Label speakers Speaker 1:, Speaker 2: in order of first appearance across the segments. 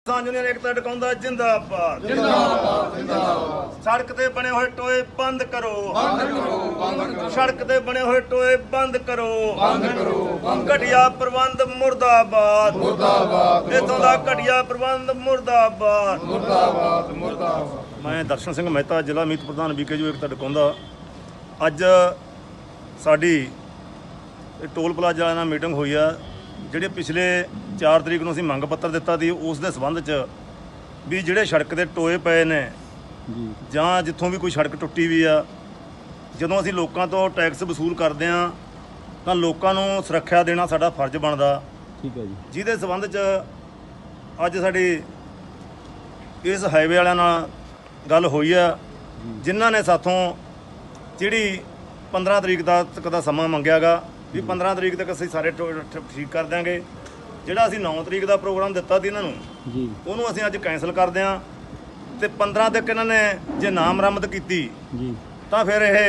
Speaker 1: ਕਿਸਾਨ ਯੂਨੀਅਨ ਏਕਤਾ ਟਿਕਾਉਂਦਾ ਜਿੰਦਾਬਾਦ ਜਿੰਦਾਬਾਦ ਜਿੰਦਾਬਾਦ। ਸੜਕ ਤੇ ਬਣੇ ਹੋਏ ਟੋਏ ਬੰਦ ਕਰੋ ਬੰਦ ਕਰੋ ਬੰਦ ਕਰੋ। ਸੜਕ ਤੇ ਬਣੇ ਹੋਏ ਟੋਏ ਬੰਦ ਕਰੋ ਬੰਦ ਕਰੋ। ਘਟੀਆ ਪ੍ਰਬੰਧ ਮੁਰਦਾਬਾਦ ਮੁਰਦਾਬਾਦ। ਇੱਥੋਂ ਦਾ ਘਟੀਆ ਪ੍ਰਬੰਧ ਮੁਰਦਾਬਾਦ ਮੁਰਦਾਬਾਦ ਮੁਰਦਾਬਾਦ। ਮੈਂ ਦਰਸ਼ਨ ਸਿੰਘ ਮਹਿਤਾ, ਜ਼ਿਲ੍ਹਾ ਮੀਤ ਪ੍ਰਧਾਨ ਬੀਕੇਯੂ ਏਕਤਾ ਟਿਕਾਉਂਦਾ। ਅੱਜ ਸਾਡੀ ਟੋਲ ਪਲਾਜ਼ਾ ਵਾਲਿਆਂ ਨਾਲ ਮੀਟਿੰਗ ਹੋਈ ਆ। ਜਿਹੜੇ ਪਿਛਲੇ 4 ਤਰੀਕ ਨੂੰ ਅਸੀਂ ਮੰਗ ਪੱਤਰ ਦਿੱਤਾ ਸੀ, ਉਸ ਦੇ ਸੰਬੰਧ 'ਚ ਵੀ ਜਿਹੜੇ ਸੜਕ ਦੇ ਟੋਏ ਪਏ ਨੇ ਜਾਂ ਜਿੱਥੋਂ ਵੀ ਕੋਈ ਸੜਕ ਟੁੱਟੀ ਵੀ ਆ, ਜਦੋਂ ਅਸੀਂ ਲੋਕਾਂ ਤੋਂ ਟੈਕਸ ਵਸੂਲ ਕਰਦੇ ਆ ਤਾਂ ਲੋਕਾਂ ਨੂੰ ਸੁਰੱਖਿਆ ਦੇਣਾ ਸਾਡਾ ਫਰਜ਼ ਬਣਦਾ।
Speaker 2: ਠੀਕ ਹੈ ਜੀ।
Speaker 1: ਜਿਹਦੇ ਸੰਬੰਧ 'ਚ ਅੱਜ ਸਾਡੀ ਇਸ ਹਾਈਵੇ ਵਾਲਿਆਂ ਨਾਲ ਗੱਲ ਹੋਈ ਆ, ਜਿਨ੍ਹਾਂ ਨੇ ਸਾਥੋਂ ਜਿਹੜੀ 15 ਤਰੀਕ ਤੱਕ ਦਾ ਸਮਾਂ ਮੰਗਿਆ ਗਾ ਵੀ 15 ਤਰੀਕ ਤੱਕ ਅਸੀਂ ਸਾਰੇ ਠੀਕ ਕਰ ਦਿਆਂਗੇ। ਜਿਹੜਾ ਅਸੀਂ 9 ਤਰੀਕ ਦਾ ਪ੍ਰੋਗਰਾਮ ਦਿੱਤਾ ਸੀ ਇਹਨਾਂ ਨੂੰ
Speaker 2: ਜੀ,
Speaker 1: ਉਹਨੂੰ ਅਸੀਂ ਅੱਜ ਕੈਂਸਲ ਕਰਦੇ ਹਾਂ ਤੇ 15 ਤੱਕ ਇਹਨਾਂ ਨੇ ਜੇ ਨਾ ਮੁਰੰਮਤ ਕੀਤੀ
Speaker 2: ਜੀ
Speaker 1: ਤਾਂ ਫਿਰ ਇਹ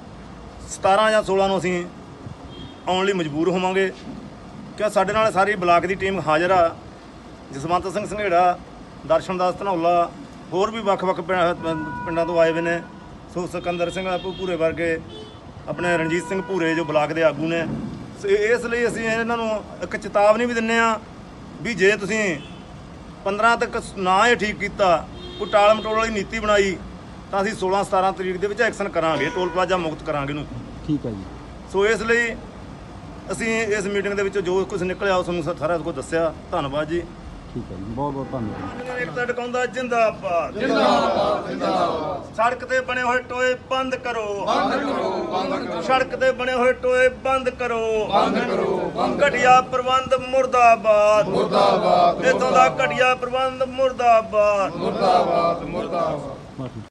Speaker 1: 17 ਜਾਂ 16 ਨੂੰ ਅਸੀਂ ਆਉਣ ਲਈ ਮਜਬੂਰ ਹੋਵਾਂਗੇ। ਕਿ ਸਾਡੇ ਨਾਲ ਸਾਰੀ ਬਲਾਕ ਦੀ ਟੀਮ ਹਾਜ਼ਰ ਆ। ਜਸਵੰਤ ਸਿੰਘ ਸੰਘੇੜਾ, ਦਰਸ਼ਨਦਾਸ ਧਨੌਲਾ, ਹੋਰ ਵੀ ਵੱਖ-ਵੱਖ ਪਿੰਡਾਂ ਤੋਂ ਆਏ ਹੋਏ ਨੇ। ਸੋ ਸਿਕੰਦਰ ਸਿੰਘ ਭੂਰੇ ਵਰਗੇ, ਆਪਣੇ ਰਣਜੀਤ ਸਿੰਘ ਭੂਰੇ ਜੋ ਬਲਾਕ ਦੇ ਆਗੂ ਨੇ। ਇਸ ਲਈ ਅਸੀਂ ਇਹਨਾਂ ਨੂੰ ਇੱਕ ਚੇਤਾਵਨੀ ਵੀ ਦਿੰਦੇ ਹਾਂ ਵੀ ਜੇ ਤੁਸੀਂ 15 ਤੱਕ ਨਾ ਇਹ ਠੀਕ ਕੀਤਾ, ਕੋਈ ਟਾਲ ਮਟੋਲ ਵਾਲੀ ਨੀਤੀ ਬਣਾਈ ਤਾਂ ਅਸੀਂ 16-17 ਤਰੀਕ ਦੇ ਵਿੱਚ ਐਕਸ਼ਨ ਕਰਾਂਗੇ, ਟੋਲ ਪਲਾਜ਼ਾ ਮੁਕਤ ਕਰਾਂਗੇ ਇਹਨੂੰ।
Speaker 2: ਠੀਕ ਹੈ ਜੀ।
Speaker 1: ਸੋ ਇਸ ਲਈ ਅਸੀਂ ਇਸ ਮੀਟਿੰਗ ਦੇ ਵਿੱਚ ਜੋ ਕੁਝ ਨਿਕਲਿਆ ਉਹ ਤੁਹਾਨੂੰ ਸਾਰਾ ਕੁਝ ਦੱਸਿਆ। ਧੰਨਵਾਦ ਜੀ।
Speaker 2: ਠੀਕ ਹੈ ਜੀ, ਬਹੁਤ ਬਹੁਤ ਧੰਨਵਾਦ।
Speaker 1: ਏਕਤਾ ਟਿਕਾਉਂਦਾ ਜਿੰਦਾਬਾਦ ਜਿੰਦਾਬਾਦ ਜਿੰਦਾਬਾਦ। ਸੜਕ ਤੇ ਬਣੇ ਹੋਏ ਟੋਏ ਬੰਦ ਕਰੋ ਬੰਦ ਕਰੋ ਬੰਦ ਕਰੋ। ਸੜਕ ਤੇ ਬਣੇ ਹੋਏ ਟੋਏ ਬੰਦ ਕਰੋ ਬੰਦ ਕਰੋ। ਘਟੀਆ ਪ੍ਰਬੰਧ ਮੁਰਦਾਬਾਦ ਮੁਰਦਾਬਾਦ। ਇੱਥੋਂ ਦਾ ਘਟੀਆ ਪ੍ਰਬੰਧ ਮੁਰਦਾਬਾਦ ਮੁਰਦਾਬਾਦ ਮੁਰਦਾਬਾਦ।